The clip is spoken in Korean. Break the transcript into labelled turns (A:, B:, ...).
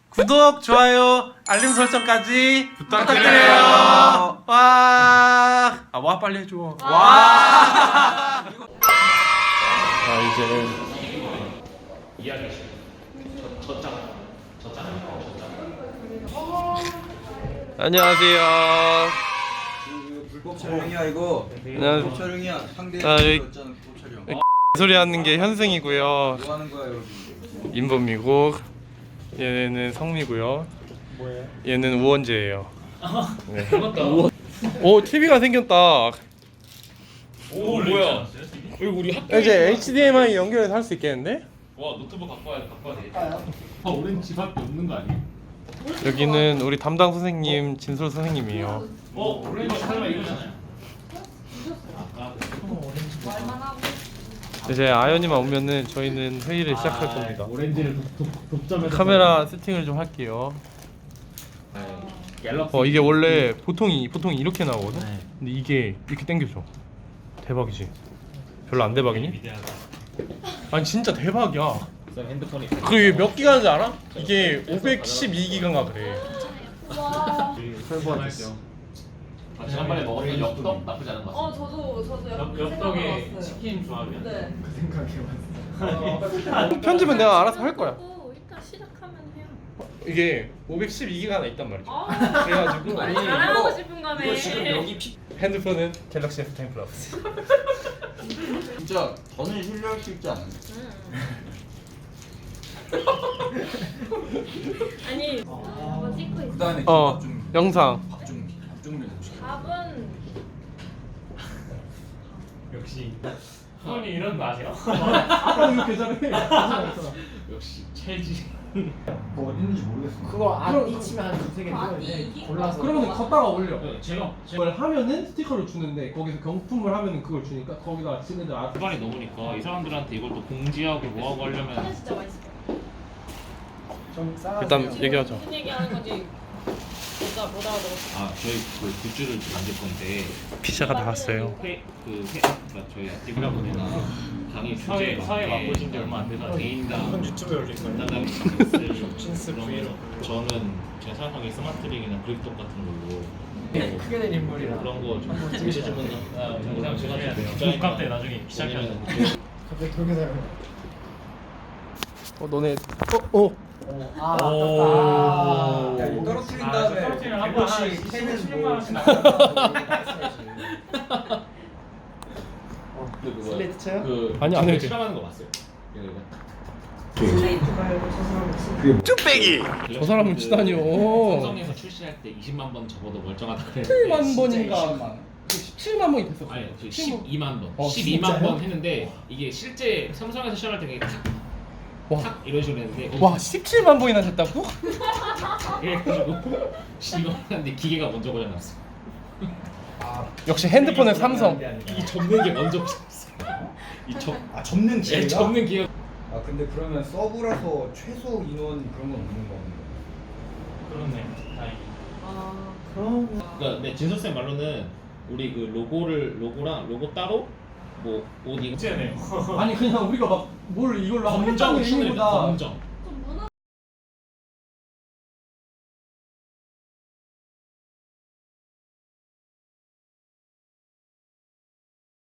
A: 구독, 좋아요, 알림 설정까지 부탁드려요. 와 빨리 해줘. 와. 자 이제 안녕하세요.
B: 불법 촬영이야 이거.
A: 안녕하세요.
B: 불법 촬영이야. 상대
A: 여기
B: 였잖아 불법 촬영.
A: 소리 하는 게 현승이고요.
B: 뭐 하는 거야 여기?
A: 인범이고 얘는 성미고요.
C: 뭐예요?
A: 얘는 우원재예요. 네. 오 TV가 생겼다.
C: 오 뭐야? 여기 우리 학교
A: 이제 HDMI 연결해서 할 수 있겠는데?
C: 와 노트북 갖고 와야 돼. 아 우린 집밖에 없는 거 아니야?
A: 여기는 우리 담당 선생님 진솔 선생님이에요.
C: 오렌지 설마 이거잖아요.
A: 이제 아연이만 오면은 저희는 회의를 시작할 겁니다.
C: 오렌지를 독점해서
A: 카메라 세팅을 좀 할게요.
C: 갤럭시.
A: 이게 원래 보통이 이렇게 나오거든.
C: 네.
A: 근데 이게 이렇게 당겨져. 대박이지. 별로 안 대박이니?
C: 위대하다.
A: 아니 진짜 대박이야.
C: 핸드폰이
A: 그게 몇 기가인지 알아? 이게 512기가인가 그래.
C: 설부하죠. 지난번에 먹었던 엽떡 나쁘지 않은 것 같아요.
D: 저도 약간 그
C: 엽떡에
D: 생각을 봤어요.
C: 치킨 조합이야.
D: 네.
A: 편집은 내가 알아서 할 거야.
D: 일단 시작하면 해요.
A: 이게 512기가 하나 있단 말이죠.
D: 아,
A: 그래가지고
D: 자랑하고 싶은 거네.
B: 이거 지금 여기
A: 핸드폰은 갤럭시 S10 플러스.
B: 진짜 더는 신뢰할 수 있지 않아요?
D: 아니, 한번 찍고 있어.
B: 그다음에
A: 영상.
B: 밥좀 내주세요.
D: 밥은
C: 역시 형이 이런 거 아세요?
A: 이렇게 잘해.
C: 역시 체지.
B: 뭐 어딨는지 모르겠어.
E: 그거 앞뒤 치면 한 두세 개 뜨거든요. 골라서.
A: 그러면 걷다가 올려.
C: 제가
A: 그걸 하면은 스티커를 주는데 거기서 경품을 하면은 그걸 주니까 거기다 친구들 알아서.
C: 시간이 넘으니까 이 사람들한테 이걸 또 공지하고 뭐하고 하려면
D: 진짜 맛있어.
E: 좀 싸가지고.
A: 일단 얘기하자.
D: 무슨 얘기하는 건지 못 알아들었어.
C: 저희 그 굿즈를 만들 건데
A: 피자가 나왔어요.
C: 그러니까 저희 아티브라보내나 강의 주제 사회 맛보신 지 얼마 안 돼서 개인당
E: 유튜브에 올릴 거예요.
C: 간단하게
E: 진스
C: 그러면
E: 브이로그.
C: 저는 제가 생각하기에 스마트링이나 그립톡 같은 걸로
E: 크게 된 인물이라.
C: 그런 거좀 제시해주면 영상 제가 해야 돼요.
F: 국감 때 나중에 시작해야 돼.
E: 갑자기 동영상.
A: 너네
E: 아
C: 오.
E: 아깝다.
B: 야, 이거 떨어뜨린 다음에
F: 떨어뜨리면 한번
B: 100원씩 캐는 뭐
E: 슬레이트 쳐요?
C: 그
A: 아니, 안 해도 돼.
C: 실험하는 거 봤어요?
A: 쭈빼기. 저 사람은 치다니요.
C: 삼성에서 출시할 때 20만 번 접어도 멀쩡하다 그랬는데
A: 7만 번인가 17만 번이 됐어.
C: 아니 12만 번 12만
E: 진짜요?
C: 번 했는데 이게 실제 삼성에서 시험할 때 그게
A: 와.
C: 탁 이런 식으로 했는데
A: 와 17만 번이나 됐다고?
C: 이래가지고 이거 하는데 기계가 먼저 고장났어.
A: 역시 핸드폰은 삼성.
C: 이 접는 게 먼저 고장났어.
B: 접는
C: 예, 접는 기계.
B: 아 근데 그러면 서브라서 최소 인원 그런 건 없는 거 같은데.
F: 그렇네. 다행히.
C: 그러니까 내 진서 쌤 말로는 우리 그 로고랑 로고 따로 뭐옷 이거
F: 문제네요.
A: 아니 그냥 우리가 막 뭘 이걸로
C: 검정
A: 하겠다는
C: 춘을
A: 의미보다
C: 검정.